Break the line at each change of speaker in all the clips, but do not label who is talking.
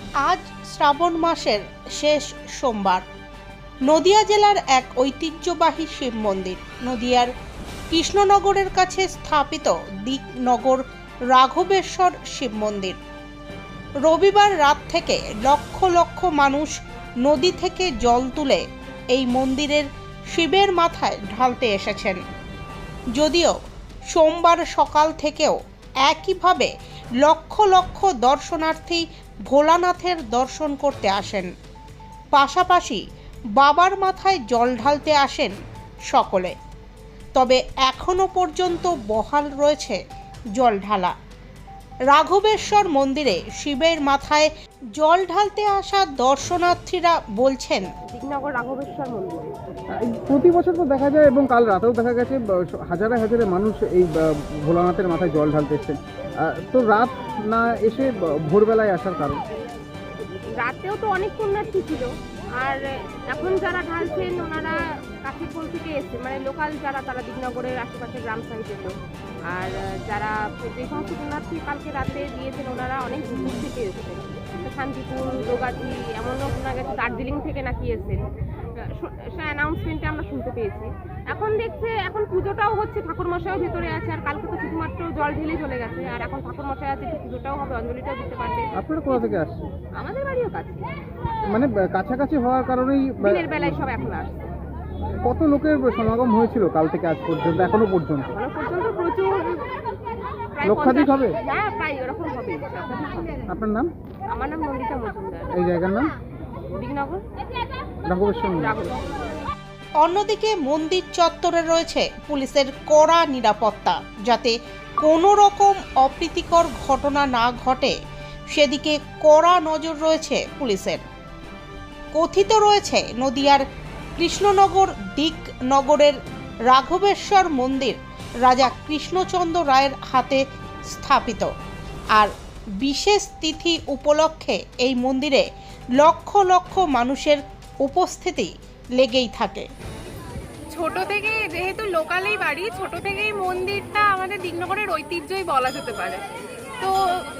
আজ শ্রাবণ মাসের শেষ সোমবার নদিয়া জেলার এক ঐতিহ্যবাহী শিব মন্দির নদিয়ার কৃষ্ণনগরের কাছে স্থাপিত দিকনগর রাঘবেশ্বর শিব মন্দির। রবিবার রাত থেকে লক্ষ লক্ষ মানুষ নদী থেকে জল তুলে এই মন্দিরের শিবের মাথায় ঢালতে এসেছেন। যদিও সোমবার সকাল থেকেও একইভাবে লক্ষ লক্ষ দর্শনার্থী ভোলানাথের দর্শন করতে আসেন, পাশাপাশি বাবার মাথায় জল ঢালতে আসেন সকলে। তবে এখনো পর্যন্ত বহাল রয়েছে জল ঢালা। রাঘবেশ্বর মন্দিরে শিবের মাথায় জল ঢালতে আসা দর্শনার্থীরা বলছেন,
দিকনগর রাঘবেশ্বর মন্দির
প্রতি বছর তো দেখা যায় এবং কাল রাতেও দেখা গেছে হাজারে হাজারে মানুষ এই ভোলানাথের মাথায় জল ঢালতে এসছেন। তো রাত না এসে ভোরবেলায় আসার কারণ?
রাতেও তো অনেক পুণ্যার্থী ছিল, আর এখন যারা ঢালছেন ওনারা কাশীপুর থেকে এসছে, মানে লোকাল যারা, তারা দিকনগরের আশেপাশে গ্রাম সাইডের লোক। আর যারা যে সমস্ত পুণ্যার্থী কালকে রাতে দিয়েছেন ওনারা অনেক দূর থেকে এসেছেন, শান্তিপুর, দোগাটি, এমনও শোনা গেছে দার্জিলিং থেকে নাকি এসেছেন। অ্যানাউন্সমেন্টে আমরা শুনতে পেয়েছি। এখন দেখছে এখন পুজোটাও হচ্ছে, ঠাকুরমশাইও ভেতরে আছে, আর কালকে তো শুধুমাত্র জল ঢেলে চলে গেছে, আর এখন ঠাকুরমশাই আছে, পুজোটাও হবে, অঞ্জলিটাও দিতে পারবে।
আপনারা কোথা থেকে আসছেন?
আমাদের বাড়িও কাছে,
মানে কাছাকাছি হওয়ার কারণেই
দিনের বেলায় সব এখন আসছে।
কত লোকের সমাগম হয়েছিল কাল থেকে আজ পর্যন্ত? এখনো পর্যন্ত
প্রচুর,
লক্ষাধিক হবে।
হ্যাঁ, প্রায় ওরকম হবে।
আপনার নাম?
আমার নাম নন্দিতা মজুমদার।
এই জায়গার নাম
দিকনগর
রাঘবেশ্বর মন্দির।
অন্যদিকে মন্দির চত্বরে রয়েছে পুলিশের কড়া নিরাপত্তা, যাতে কোনো রকম অপ্রীতিকর ঘটনা না ঘটে সেদিকে কড়া নজর রয়েছে পুলিশের। কথিত রয়েছে নদিয়ার কৃষ্ণনগর দিকনগরের রাঘবেশ্বর মন্দির রাজা কৃষ্ণচন্দ্র রায়ের হাতে স্থাপিত, আর বিশেষ তিথি উপলক্ষে এই মন্দিরে লক্ষ লক্ষ মানুষের উপস্থিতি লেগেই থাকে।
ছোট থেকে, যেহেতু লোকালেই বাড়ি, ছোট থেকেই মন্দিরটা আমাদের দিকনগরের ঐতিহ্যই বলা যেতে পারে। তো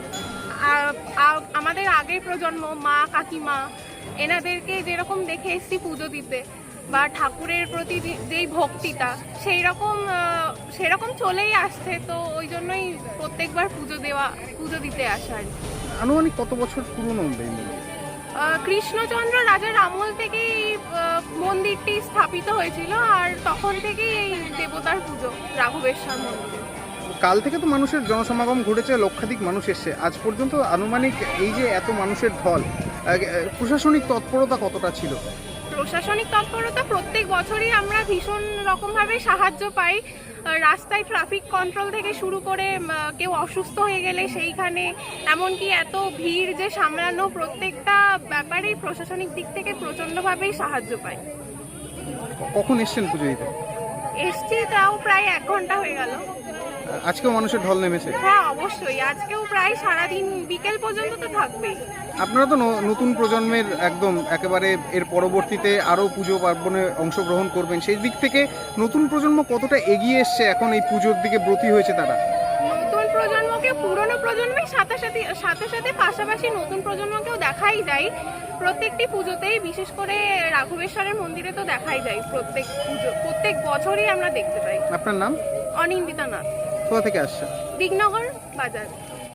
আমাদের আগের প্রজন্ম, মা কাকিমা, এনাদেরকে যেরকম দেখে এসছি পুজো দিতে বা ঠাকুরের প্রতি যেই ভক্তিটা সেরকম চলেই আসছে। তো ওই জন্যই প্রত্যেকবার পুজো দিতে আসা আর কি।
আনুমানিক কত বছর পুরনো এই মন্দির?
কৃষ্ণচন্দ্র রাজার আমল থেকেই মন্দিরটি স্থাপিত হয়েছিল, আর তখন থেকেই এই দেবতার পুজো রাঘবেশ্বর মন্দিরে।
কাল থেকে তো মানুষের জনসমাগম ঘটেছে, লক্ষাধিক মানুষ এসছে। আজ পর্যন্ত আনুমানিক এই যে এত মানুষের ঢল, প্রশাসনিক তৎপরতা কতটা ছিল?
প্রশাসনিক তৎপরতা প্রত্যেক বছরই আমরা ভীষণ রকমভাবে সাহায্য পাই। রাস্তায় ট্রাফিক কন্ট্রোল থেকে শুরু করে কেউ অসুস্থ হয়ে গেলে সেইখানে, এমনকি এত ভিড় যে সামলানো, প্রত্যেকটা ব্যাপারেই প্রশাসনিক দিক থেকে প্রচণ্ডভাবেই সাহায্য পাই।
কখন এসছেন পুজো দিতে?
এসছি তাও প্রায় 1 ঘন্টা হয়ে গেল।
আজকেও মানুষের ঢল নেমেছে?
হ্যাঁ, অবশ্যই। আজকেও প্রায় সারাদিন, বিকেল পর্যন্ত তো থাকবেই।
আপনারা তো নতুন প্রজন্মের একদম একেবারে, এর পরবর্তীতে আরও পুজো পার্বণে অংশগ্রহণ করবেন, সেই দিক থেকে নতুন প্রজন্ম কতটা এগিয়ে এসছে এখন এই পুজোর দিকে ব্রতী হয়েছে তারা?
নতুন প্রজন্মকে পুরনো প্রজন্মের সাথে সাথে পাশাপাশি নতুন প্রজন্মকেও দেখাই যায় প্রত্যেকটি পুজোতেই, বিশেষ করে রাঘবেশ্বরের মন্দিরে তো দেখাই যায় প্রত্যেক বছরই আমরা দেখতে পাই।
আপনার নাম?
অনিন্দিতা নাথ।
কোথা থেকে আসছে?
দিকনগর বাজার।